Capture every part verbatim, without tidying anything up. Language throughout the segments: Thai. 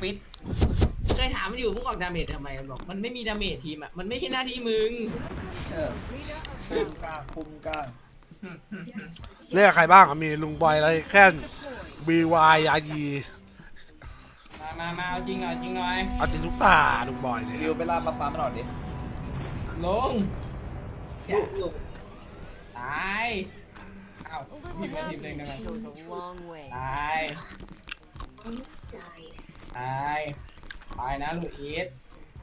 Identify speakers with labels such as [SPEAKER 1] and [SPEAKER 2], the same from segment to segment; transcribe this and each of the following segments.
[SPEAKER 1] ฟิตเคยถามมันอยู่มึงออกดาเมจทำไมมันบอกมันไม่มีดาเมจทีมอ่ะมันไม่ใช่หน้าที่มึง
[SPEAKER 2] เออคุมกลางคุมกลาง
[SPEAKER 3] เนี่ยใครบ้างมีลุงบอยอะไรแค่บีวายยายี
[SPEAKER 1] มามามาเอาจริงหน่อยจริงหน่อย
[SPEAKER 3] เอาจริงทุกตาลุงบอยเนี่ย
[SPEAKER 2] วิวไปล่ามาฟ้ามาหน่อยดิ
[SPEAKER 1] ลงตายเอ้าทีมเล่นทีมเล่นกันมาตายตายตายนะลูกอีท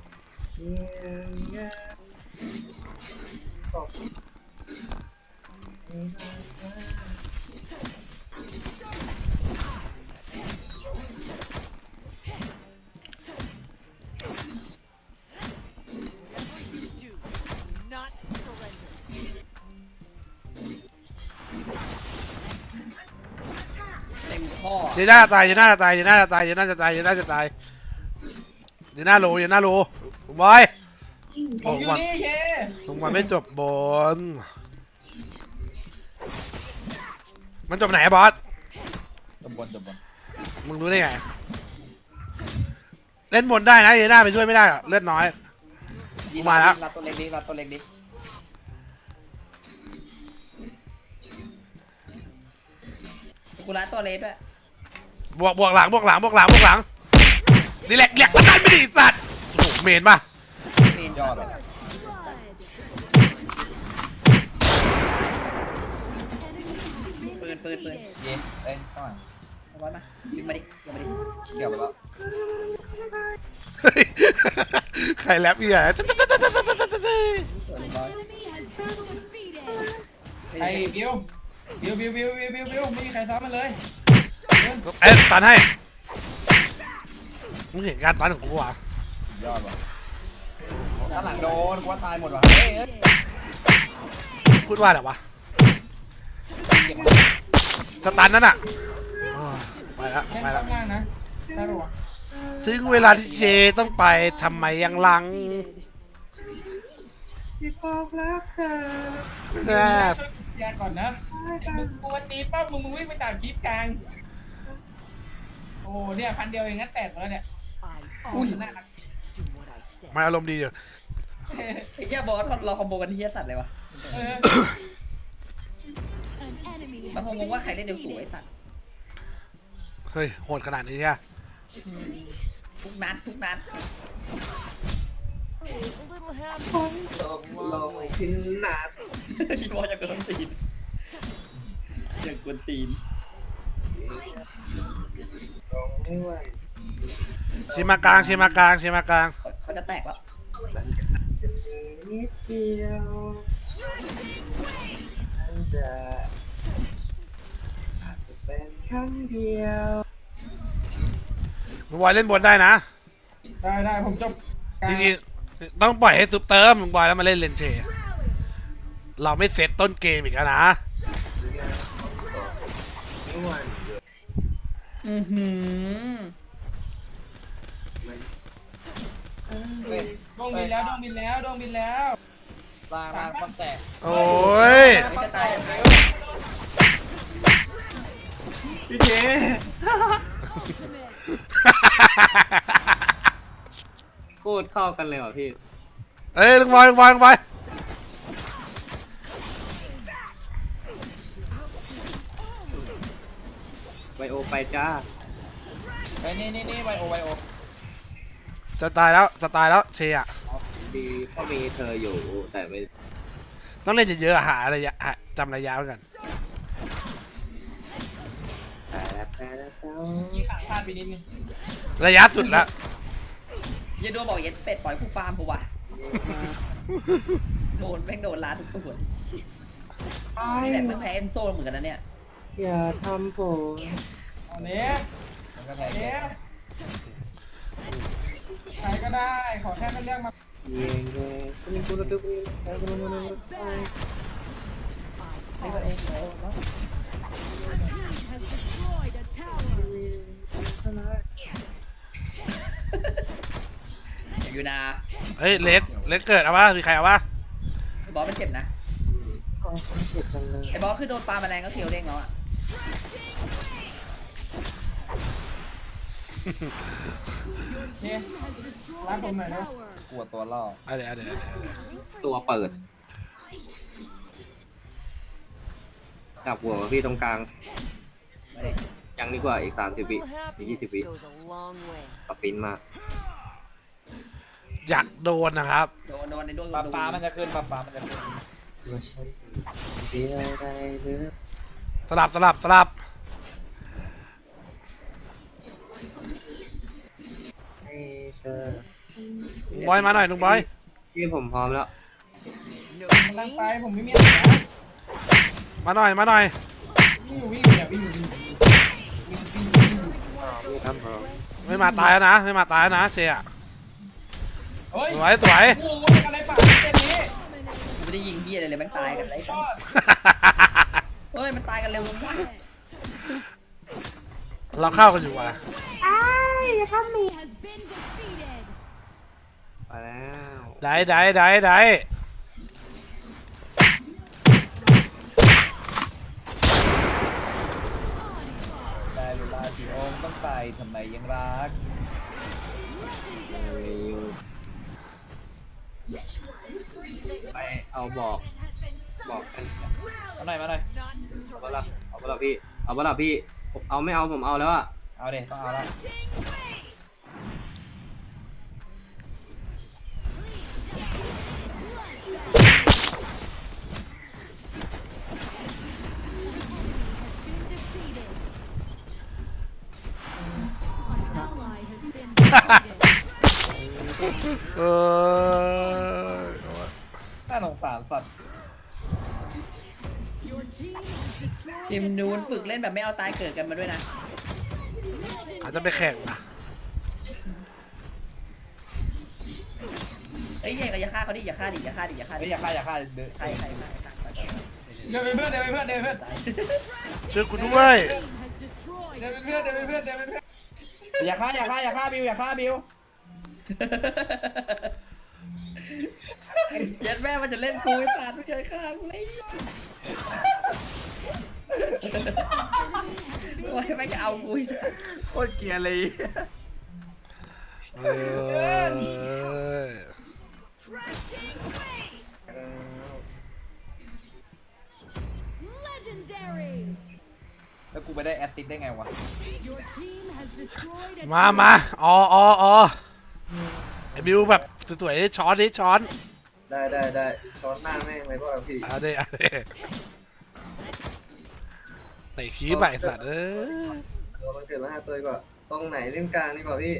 [SPEAKER 3] เดี๋ยวน่าจะตายเดี๋ยวน่าจะตายเดี๋ยวน่าจะตายเดี๋ยวน่าจะตายเดี๋ยวน่าจะตายเดี๋ยวน่าโลเดี๋ยวน่าโลลุงบอย
[SPEAKER 1] ผมอยู่นี่เย่
[SPEAKER 3] ลุงบอยไม่จบบนมันจบไหนบอส
[SPEAKER 2] จบบนจบบน
[SPEAKER 3] มึงรู้ได้ไงเล่นบนได้นะเดี๋ยวน่าไปช่วยไม่ได้หรอกเลือดน้อยมาแล้ว
[SPEAKER 2] รับตัวเล็กดิรับตัวเล็กดิกูรัดตัวเล็กด้วย
[SPEAKER 3] บวกบวกหลังบวกหลังบวกหลังบวกหลังนี่แหละแหลกประกันไม่ดีสัตว์โอ้โหเมนป่ะ
[SPEAKER 2] เมนยอดเลยปืนปืนปืนเย็นเอ้ยข้างหลังเอาไว้มายิงมาดิยิงมาดิเกี่ยวไปแล้ว
[SPEAKER 3] ใครแรปอีกอ่ะ
[SPEAKER 1] ไอ้บิวบิวบิวบิวบิวบิวบิวไม่มีใครซ้อมมันเลย
[SPEAKER 3] เอ๊ะตันให้มึงเห็นการตันของกูวะ
[SPEAKER 2] ยอดว่ะข้างหลังโดนกูว่าตายหมดว่ะ
[SPEAKER 3] พูดว่าอะไรวะสตันนั่นอ่ะไปแล้วไปแล้ว
[SPEAKER 1] นะใช่ปะวะ
[SPEAKER 3] ถึงเวลาที่เจต้องไปทำไมยังลัง
[SPEAKER 1] ที่บอกรักเธอช่วยแกก่อนนะมึงกูมาตีปั๊บมึงมึงวิ่งไปตามคลิปกลางโอ้เนี่ยพันเดียวเองงั้นแตกแล้วเนี่ยอุ้ยน่ารัก
[SPEAKER 3] มาอารมณ์ดีอยู่
[SPEAKER 2] ไอ้เหี้ยบอสเราคอมโบกันที่เหี้ยสัตว์เลยวะมันคงงงว่าใครเล่นเดียวสูงไอ้สัตว์
[SPEAKER 3] เฮ้ยโหดขนาดนี้ใช่
[SPEAKER 2] ทุกนัดทุกนัด
[SPEAKER 1] ลงทิ้งนัด
[SPEAKER 2] พี่บอสจะเกินตีนจะกวนตีน
[SPEAKER 3] ชิมากลางชิมากลางชิมากลาง
[SPEAKER 2] เขาจะแตกแล้ว
[SPEAKER 1] นิดเดียวอาจจะเป็นครั้งเดียว
[SPEAKER 3] มึงบอยเล่นบนได้นะ
[SPEAKER 1] ได้ได้ผมจบ
[SPEAKER 3] จริงๆต้องปล่อยให้ซุปเติมมึงบอยแล้วมาเล่นเลนเชเราไม่เซตต้นเกมอีกแล้วนะ
[SPEAKER 2] อือหือ
[SPEAKER 1] ดวงบินแล้วดวงบินแล้วดวงบินแล้ว
[SPEAKER 2] วางวางความแตก
[SPEAKER 3] โอ้ย
[SPEAKER 1] พี่เจ
[SPEAKER 2] โคตรเข้ากันเลยว่ะพี่
[SPEAKER 3] เอ้ยลงบอลลงบอลลงบอล
[SPEAKER 2] ไวโอไปจ้าไปนี่นี่นี่ไวโอไวโอ
[SPEAKER 3] จะตายแล้วจะตายแล้วเชียร์
[SPEAKER 2] ดีก็มีเธออยู่แต่ไม่
[SPEAKER 3] ต้องเล่นเยอะๆหาระยะจำระยะไว้กัน
[SPEAKER 1] ยิงขาพลาดไปนิดนึง
[SPEAKER 3] ระยะสุดแล้ว
[SPEAKER 2] ยันโดนบอกยันเป็ดปล่อยกูฟาร์มกูว่ะโดนแม่งโดนล้าทุกตัวนี่แหละมันแพ้เอ็นโซเหมือนกันนะเนี่ย
[SPEAKER 1] อย่าทำผมอันนี้อันนี้ใครก็ได้ขอแค่มันเรียกมาเย้เย้คุณคุณตุ๊กไปคุณคุณคุณไปไปเองแล้ว
[SPEAKER 2] อยู่นะ
[SPEAKER 3] เฮ้ยเล็กเล็กเกิดเอาวะมีใครเอาวะ
[SPEAKER 2] บอสมันเจ็บนะไอ้บอสคือโดนปลาแมลงก็เขียวเด้งแล้วอ่ะ
[SPEAKER 1] เนี่ยรับผมหน่อยนะ
[SPEAKER 4] กลัวตัวล่อ
[SPEAKER 3] เอาเดี๋ยวเอาเดี๋ยวเอาเดี๋ยว
[SPEAKER 5] ตัวเปิดจับหัวพี่ตรงกลาง
[SPEAKER 2] มาดิ
[SPEAKER 5] ยังดีกว่าอีกสามสิบวิอีกยี่สิบวิปรับปิ้นมา
[SPEAKER 3] อยากโดนนะครับ
[SPEAKER 2] โดนโดนในดวง
[SPEAKER 4] ปลา
[SPEAKER 2] ดู
[SPEAKER 4] ปลามันจะขึ้นปลาปลามันจะขึ้น
[SPEAKER 3] สลับสลับสลับลุงบอยมาหน่อยลุงบอย
[SPEAKER 5] พี่ผมพร้อมแล้ว
[SPEAKER 1] กำลังไปผมไม่มีอะไรนะ
[SPEAKER 3] มาหน่อยมาหน่อย
[SPEAKER 1] วิ่งอยู่วิ่งอยู่เนี่ยวิ่งอยู่วิ่งอยู่วิ่งวิ่งวิ่งอยู่
[SPEAKER 5] ครับผม
[SPEAKER 3] ไม่มาตายแล้วนะไม่มาตายแล้วนะเชียร์
[SPEAKER 1] เฮ้ย
[SPEAKER 3] สวยสวย
[SPEAKER 1] โอ้โหอะไรป่ะเต็มนี้
[SPEAKER 2] กูไม่ได้ยิงพี่อะไรเลยแม่งตายกันไรกันเฮ้ยมันตายกันเร็วมาก
[SPEAKER 3] เราเข้ากันอยู่ว่ะ
[SPEAKER 5] ไปแล้ว
[SPEAKER 3] ได้ได้ได้ได้
[SPEAKER 4] ได้เวลาสีโอมต้องใส่ทำไมยังรัก
[SPEAKER 5] ไปเอาบอกบอกกัน
[SPEAKER 4] เอาหน่อยมาหน่อย
[SPEAKER 5] เอาเปล่าเอาเปล่าพี่เอาเปล่าพี่ผมเอาไม่เอาผมเอาแล้วอะ
[SPEAKER 4] เอาเด็ต้องเอาละ
[SPEAKER 3] เออ
[SPEAKER 4] น่าสงสารสัตว์
[SPEAKER 2] ทีมนู้นฝึกเล่นแบบไม่เอาตายเกิดกันมาด้วยนะ
[SPEAKER 3] อาจจะไปแข่งนะ
[SPEAKER 2] เอ้ยอย่าฆ่าเขาดิอย่าฆ่าดิอย่าฆ่าดิอย่าฆ่า
[SPEAKER 4] เฮ้
[SPEAKER 2] ดิ
[SPEAKER 4] ยอย่าฆ่าอย่าฆ่าเดือ
[SPEAKER 2] ใครใครมาใครมา
[SPEAKER 1] เดี๋ยวเป็นเพื่อนเดี๋ยวเป็นเพื่อนเดี๋ยวเป็นเพื่อน
[SPEAKER 3] ช่วยกูด้วย
[SPEAKER 1] เดี๋ยวเป็นเพื่อนเดี๋ยวเป็นเพื่อนเดี๋ยวเป็นเพื่อน
[SPEAKER 4] อย่าฆ่าอย่าฆ่าอย่าฆ่าบิวอย่าฆ่าบิว
[SPEAKER 2] เย็ดแม่มันจะเล่นกูไอ้สัตว์ไม่เคยฆ่ากูเลยโอ้ยไม่จะเอากูไอ้สัตว์
[SPEAKER 4] โคตรเกลียร์เลย
[SPEAKER 3] เออ
[SPEAKER 4] แล้วกูไปได้แอสซิสได้ไงวะ
[SPEAKER 3] มามาอ๋ออ๋ออ๋อไอ้บิวแบบสวยๆช้อนดิช้อน
[SPEAKER 5] ได้ได้ได้ช้อนหน้าแม่งเลยพ่อพี่
[SPEAKER 3] เอาดิเอาดิไหนขี้ใบสัตว์เออ
[SPEAKER 5] เราเกิดมาห้าตัวดีกว่าตรงไหนเล่นกลางดีกว่าพี่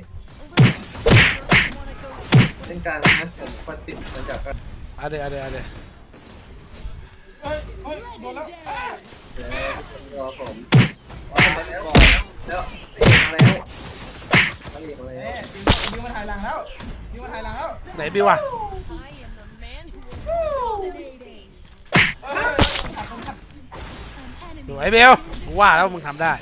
[SPEAKER 5] เล่นกลางนะผมควันติดมาจากกัน
[SPEAKER 3] เอาดิเอาดิเอาดิ
[SPEAKER 1] เฮ้ยเฮ้ยโดนแล้วอ่ะ
[SPEAKER 5] เดี๋ยวรอผม
[SPEAKER 4] ว่าผมไปก่อน
[SPEAKER 5] แล้วเอกมาแล้วมาอีกมา
[SPEAKER 1] เอ๊
[SPEAKER 5] แล้ว
[SPEAKER 1] ะยิงมาถ่ายหลังแล้วยิงมาถ่ายหลังแล้ว
[SPEAKER 3] ไหนบิวอะ
[SPEAKER 1] เฮ้ยขัดคนขัด
[SPEAKER 3] สวยบิวกูว่าแล้วมึงทำได้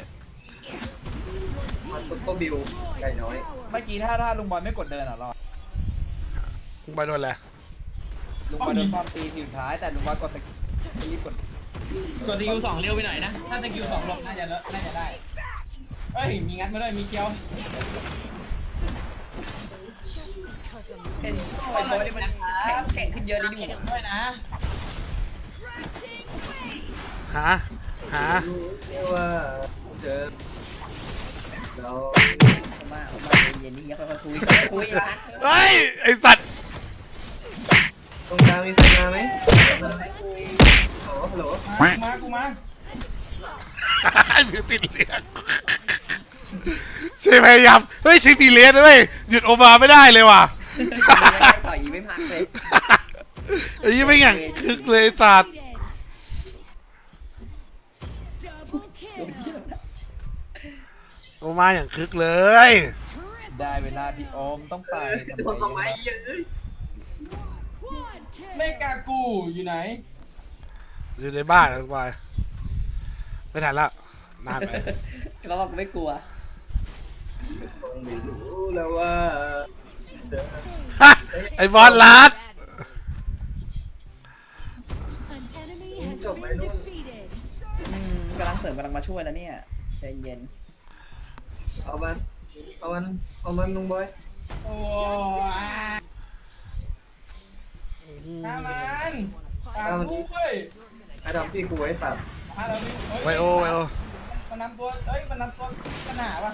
[SPEAKER 5] มาซุปเปอร์บิวไก่น้อย
[SPEAKER 4] เมื่อกี้ถ้าถ้าลุงบอลไม่กดเดินอ่ะรอด
[SPEAKER 3] มึงไปโดนอะไร
[SPEAKER 4] ลุงบอลโดนความตีทีสุดท้ายแต่ลุงบอลกดตะรีบกด
[SPEAKER 2] กดสกิลสองเร็วไปหน่อยนะ
[SPEAKER 1] ถ้าสกิลสองหลบน่าจะเลอะน่าจะได้เฮ้ยมีงัดมาด้วยมีเคียว
[SPEAKER 2] เห็นไอ้บอยนี่มันแข็งแข็งขึ้นเยอะเลยนี่หว่า
[SPEAKER 1] ด้วยนะ
[SPEAKER 3] หาหา
[SPEAKER 5] เรียกว่าเจอเรา
[SPEAKER 2] เอามาเอามาเย็นๆนี่อย่าค่อยๆคุยค่อยๆคุยไอ้สัตว์
[SPEAKER 3] เฮ้ยไอ้สัตว์
[SPEAKER 5] ตรงกลางมีใครมาไหมฮัลโหลฮัลโหล
[SPEAKER 1] มากูมา
[SPEAKER 3] ไอ้บิวติดเลือดเชฟพยายามเฮ้ยซิฟีเลสด้วยหยุดโอมาไม่ได้เลยว่ะ
[SPEAKER 2] ต่อยไม่พักเลย
[SPEAKER 3] ไอ้ยี่ไม่อย่างคึกเลยไอ้สัตว์
[SPEAKER 2] โดนเยี่ยมนะ
[SPEAKER 3] โอมาอย่างคึกเลย
[SPEAKER 4] ได้เวลาที่โอมต้องไป
[SPEAKER 5] โดนทำไมเยอะเลย
[SPEAKER 1] เมกากูอยู่ไหน
[SPEAKER 3] อยู่ในบ้านแล้วบอยไม่ทันแล้วนานไป
[SPEAKER 2] เขาบอกไม่กลัว
[SPEAKER 5] คงไม่รู้แล้วว่าเธอ
[SPEAKER 3] ฮะไอ้บอลลัด
[SPEAKER 5] จบไหมนู่น
[SPEAKER 2] อืมกำลังเสริมกำลังมาช่วยแล้วเนี่ยใจเย็น
[SPEAKER 5] เอามันเอามันเอามันลุงบอย
[SPEAKER 1] โอ้อ่าฆ่ามันตามกูเว้ย
[SPEAKER 5] ไอ้ดำพี่กูไอ้สัตว์
[SPEAKER 1] ฆ่าเราดิเฮ้ย
[SPEAKER 3] ไวโอไวโอ
[SPEAKER 1] มันนำตัวเฮ้ยมันนำตัวปัญหาป่ะ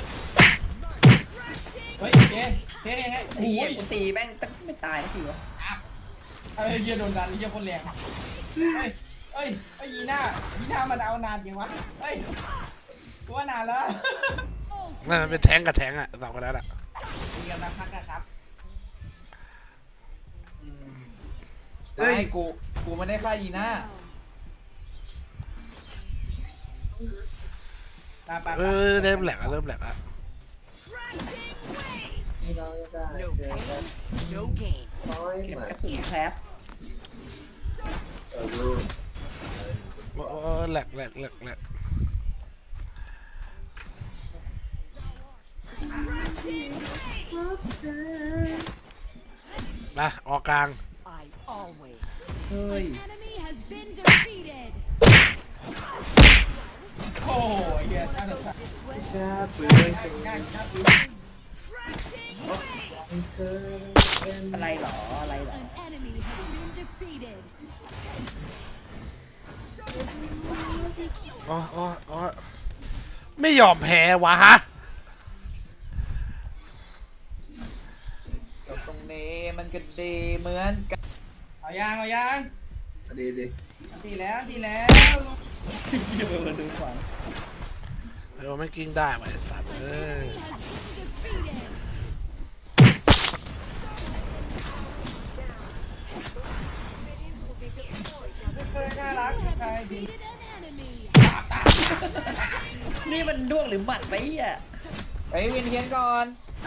[SPEAKER 1] เฮ้ยเจ๊เจ๊ยังไง
[SPEAKER 2] ไอ้
[SPEAKER 1] โอ้
[SPEAKER 2] เหี้ย
[SPEAKER 1] ย
[SPEAKER 2] กูตีแม่งตั้งไม่ตายสักทีวะ
[SPEAKER 1] เฮ้ยเฮียโดนดันเฮียคนแรงเฮ้ยเฮ้ยเฮ้ยยีน่ายีน่ามันเอานานยังวะเฮ้ยกูว่านานแล้ว
[SPEAKER 3] นั่นมันเป็นแทงกับแทงอะสองคนนั้นอะ
[SPEAKER 1] มีกำลังพักนะครับ
[SPEAKER 4] เฮ้ยกูกูไม่ได้ฆ่ายีน่า
[SPEAKER 1] ตาปา
[SPEAKER 3] เออเริ่มแหลกอะเริ่มแหลกอะ
[SPEAKER 5] ที่เราจะได้เจอกันน้อย
[SPEAKER 2] เก็บ
[SPEAKER 5] มาก
[SPEAKER 2] ระสุนแคป
[SPEAKER 5] เออรู้
[SPEAKER 3] โอ้แหลกแหลกแหลกแหลกมาออกกลาง
[SPEAKER 2] เฮ้ย
[SPEAKER 6] Enemy has been defeated.
[SPEAKER 1] โอ้ยเฮียน่าสงสาร
[SPEAKER 5] จะเปลี่ยน
[SPEAKER 1] ง่ายง่ายง่ายปืน
[SPEAKER 5] เธอเป็น
[SPEAKER 2] อะไรหรออะไรหรอ
[SPEAKER 6] An enemy has been defeated.
[SPEAKER 3] อ๋ออ๋ออ๋อไม่ยอมแพ้วะฮะ
[SPEAKER 4] ตรงนี้มันก็ดีเหมือนกัน
[SPEAKER 1] เอายางเอายาง
[SPEAKER 5] ดีดี
[SPEAKER 1] ดีแล้วดีแล้ว
[SPEAKER 2] เดี๋ยวมาดูฝั่ง
[SPEAKER 3] เออไม่กิ้งได้ว่ะไอ้สัตว์เออ
[SPEAKER 6] Defeated.
[SPEAKER 1] เคยน่ารัก
[SPEAKER 6] You
[SPEAKER 1] ใคร
[SPEAKER 6] have
[SPEAKER 1] ดี
[SPEAKER 6] defeated an enemy.
[SPEAKER 2] นี่มันด้วงหรือหมัดไปอ่ะ
[SPEAKER 4] ไปวินเทียนก่อน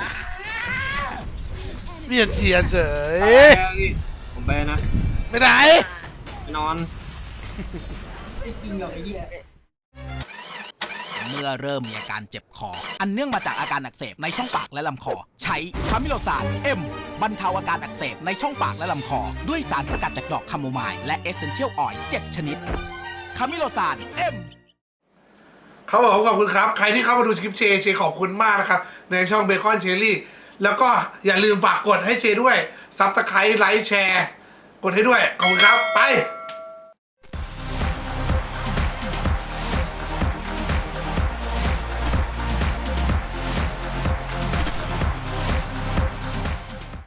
[SPEAKER 3] เวียนเทียนเฉย
[SPEAKER 5] ผมไปนะ
[SPEAKER 3] ไม่ได้
[SPEAKER 5] ไปนอน
[SPEAKER 1] ไม่จริงหรอกไอ้เหี้ย
[SPEAKER 7] เมื่อเริ่มมีอาการเจ็บคอ อันเนื่องมาจากอาการอักเสบในช่องปากและลำคอ ใช้คามิโลซานเอ็มบรรเทาอาการอักเสบในช่องปากและลำคอ ด้วยสารสกัดจากดอกคาโมไมล์และเอเซนเชียลออยล์เจ็ดชนิดคามิโลซานเอ็ม
[SPEAKER 3] เขาบอกขอบคุณครับ ใครที่เข้ามาดูคลิปเชเชขอบคุณมากนะครับ ในช่องเบคอนเชอรี่ แล้วก็อย่าลืมฝากกดให้เชด้วยซับสไครต์ไลค์แชร์ กดให้ด้วย ขอบคุณครับ ไป